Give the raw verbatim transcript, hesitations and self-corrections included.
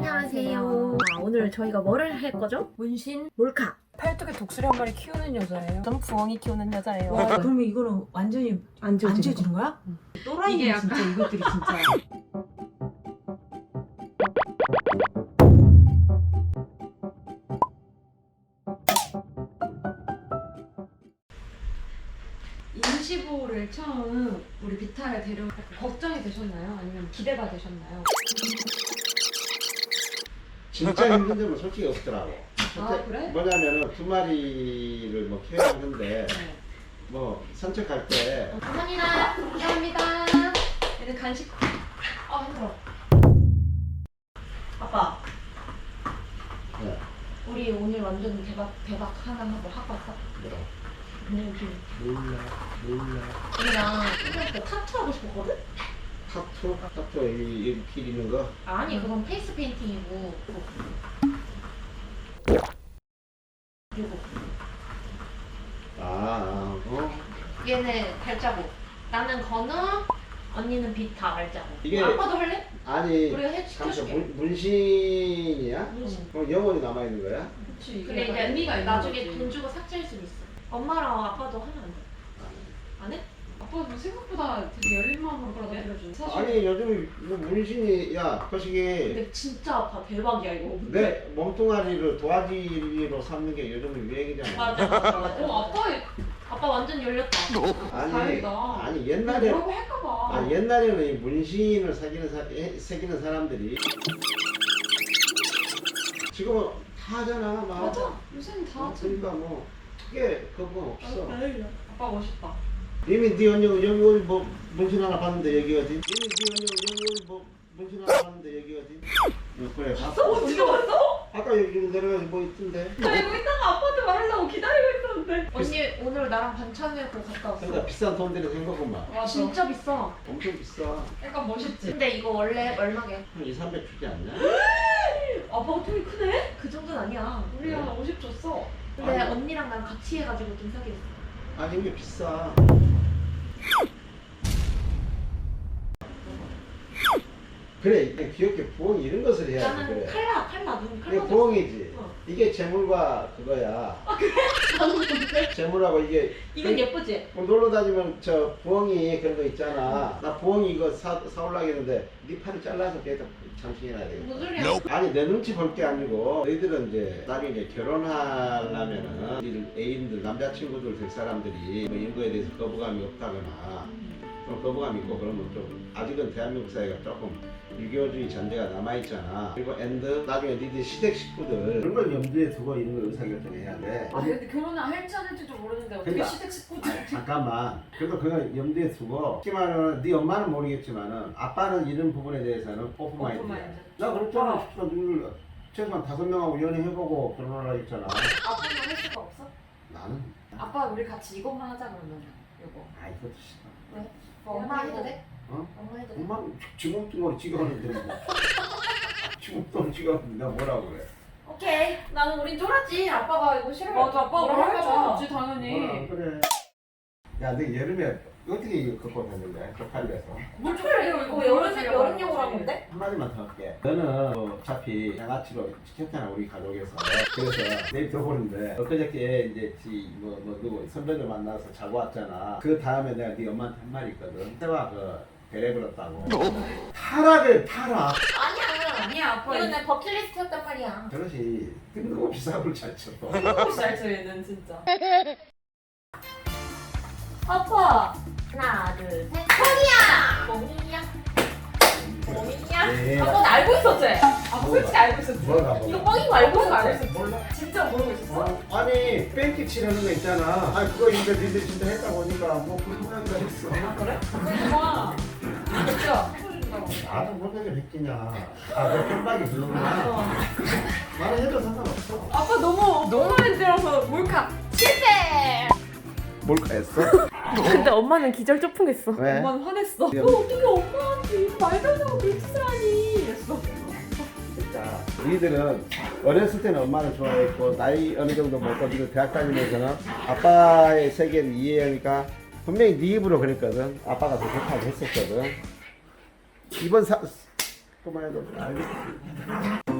안녕하세요. 아, 오늘 저희가 뭐를 할 거죠? 문신 몰카. 팔뚝에 독수리 한 마리 키우는 여자예요. 좀 부엉이 키우는 여자예요. 와, 그러면 이거는 완전히 안 지워지는 안 지워지는 거야? 응. 또라이는 이게 진짜 이것들이 진짜. 임시보호를 처음 우리 비타를 데려 걱정이 되셨나요? 아니면 기대가 되셨나요? 진짜 힘든 점은 솔직히 없더라고. 아, 그래? 뭐냐면은 두 마리를 뭐 키워하는데 네. 뭐 산책할 때 감사합니다. 감사합니다. 얘는 간식. 아 힘들어. 아빠, 네, 우리 오늘 완전 대박 대박 하나 하고 하고 왔어. 뭐라 그냥 좀 몰라 몰라 언니랑 이거 타투 하고 싶었거든? 타투 타투 여기 여기 기리는 거 아니 그건 페이스 페인팅이고. 그리고 아, 아, 어 얘는 발자국. 나는 건우, 언니는 비타 발자국. 이게- 아빠도 할래? 아니 우리가 해 잠시 시켜줄게. 문, 문신이야? 문신. 그럼 영원히 남아 있는 거야? 그치. 근데 이제 나중에 돈 주고 삭제할 수도 있어. 엄마랑 아빠도 하면 안 돼. 안 해? 아빠도 생각보다 되게 열린 마음으로 그러게. 받아들여주는 사실. 아니 요즘 뭐 문신이 야 거시기 근데 진짜 아파. 대박이야 이거. 내 몸뚱아리를 도화지로 삼는 게 요즘 유행이잖아. 맞아 맞아 맞아. 어 아빠 아빠 완전 열렸다. 아니 다행이다. 아니 옛날에 뭐라고 할까봐. 아 옛날에는 이 문신을 새기는 사, 에, 새기는 사람들이 지금은 다 하잖아 막. 맞아. 요새는 다 어, 하지. 그러니까 뭐 크게 그거 없어. 아빠 멋있다. 이미 네 언니 여기 어디 뭐 문신 하나 봤는데 여기 어디? 이미 네 언니 여기 어디 뭐 문신 하나 봤는데 여기 어디? 어, 그래 봤어? 어떻게 봤어? 아까 여기 내려가서 뭐 있던데. 나 이거 이따가 아빠한테 말하려고 기다리고 있었는데. 언니 오늘 나랑 반찬회고 갔다 왔어. 그러니까 비싼 돈 들여서 한 거구만. 맞아. 진짜 비싸. 엄청 비싸. 약간 멋있지. 근데 이거 원래 얼마게? 한 이, 삼백 주지 않냐? 아빠가 통이 크네? 그 정도는 아니야. 우리 한 오십 줬어. 근데 아니. 언니랑 난 같이 해가지고 좀 사게 됐어. 아니 이게 비싸. 그래 이게 귀엽게 부엉이 이런 것을 해야지 나는 그래. 칼라 칼라 눈 이게 칼라. 부엉이지. 어. 이게 재물과 그거야. 나는 뭔데? 재물하고 이게 이건 예쁘지? 뭐 놀러 다니면 저 부엉이 그런 거 있잖아. 나 부엉이 이거 사, 사올라 했는데 네 팔을 잘라서 계속 장식해놔야 되겠다. 무슨 소리야? 아니 내 눈치 볼 게 아니고 너희들은 이제 나중에 이제 결혼하려면은 너희들 애인들 남자친구들 될 사람들이 뭐 이런 거에 대해서 거부감이 없다거나 좀 거부감이 있고 그러면 좀 아직은 대한민국 사회가 조금 유교주의 전제가 남아있잖아. 그리고 앤드 나중에 니들 시댁 식구들 그런 걸 염두에 두고 이런 걸 의사결정해야 돼. 아 근데 결혼을 할지 안 할지도 모르는데 어떻게 그러니까. 시댁 식구들. 아니, 잠깐만. 그래도 그걸 염두에 두고 특히 말하면 네 엄마는 모르겠지만은 아빠는 이런 부분에 대해서는 오픈마인드야. 오픈마인드. 나 그랬잖아. 누굴 최소한 다섯 명하고 연애해보고 결혼하라 했잖아. 아빠는 할 수가 없어? 나는 아빠 우리 같이 이것만 하자 그러면. 이거. 아 이것도 싫어. 왜? 엄마 해도 돼? 어? 엄마 해도 돼? 엄마 주먹등으로 찍어하는데 뭐. 주먹등으로 찍어하는데 나 뭐라고 그래. 오케이. 나는 우린 쫄았지. 아빠가 이거 싫어. 맞아 아빠가 뭐라 할 할까 줄 봐. 없지 당연히. 뭐라 그래. 야, 너 여름에 어떻게 이거 극복했는데? 쪽팔려서. 뭘 좋아해요 이거 여름 여름용으로 한 건데? 한마디만 더 할게. 너는 뭐 어차피 양아치로 시켰잖아 우리 가족에서. 그래서 내일 들어보는데 엊그저께 이제 지 뭐 뭐 누구 선배들 만나서 자고 왔잖아. 그 다음에 내가 네 엄마한테 한 말이 있거든. 때와 그 배려 불었다고. 타락을 타락. 아니야. 아니야 아빠 이건 내 버킷리스트였단 말이야. 저것이 뜬금없이 사고를 잘 쳐. 이거 잘쳐 얘는 진짜. 아빠. 하나 둘 셋. 뽕이야. 뽕이야. 뽕이야. 네. 아빠는 알고 있었지? 아빠 솔직히 알고 있었지. 뭐가 이거 뭐? 뻥인 거 알고 그거 알고 있었지? 있었지. 몰라. 진짜 모르고 있었어? 어? 아니 뺑기 치려는 거 있잖아. 아 그거 이제 니들 진짜 했다고 하니까 뭐 그런 거다 했어. 아 그래? 그러구나. 진짜 해보신다고. 나도 못하게 했기냐. 아, 내 편박이 별로구나. 나는 해도 상관없어. 아빠 너무 너무 많이 들어서 몰카. 실패. 몰카했어? 근데 엄마는 기절 조풍했어. 왜? 엄마는 화냈어. 야. 너 어떻게 엄마한테 이거 말도 안 되고 그런 짓을 하니? 이랬어. 자, 우리들은 어렸을 때는 엄마를 좋아했고 나이 어느 정도 먹고 지금 대학 다니면서는 아빠의 세계를 이해하니까 분명히 네 입으로 그랬거든. 아빠가 더 좋다고 했었거든. 이번 사... 그만해도 알겠지.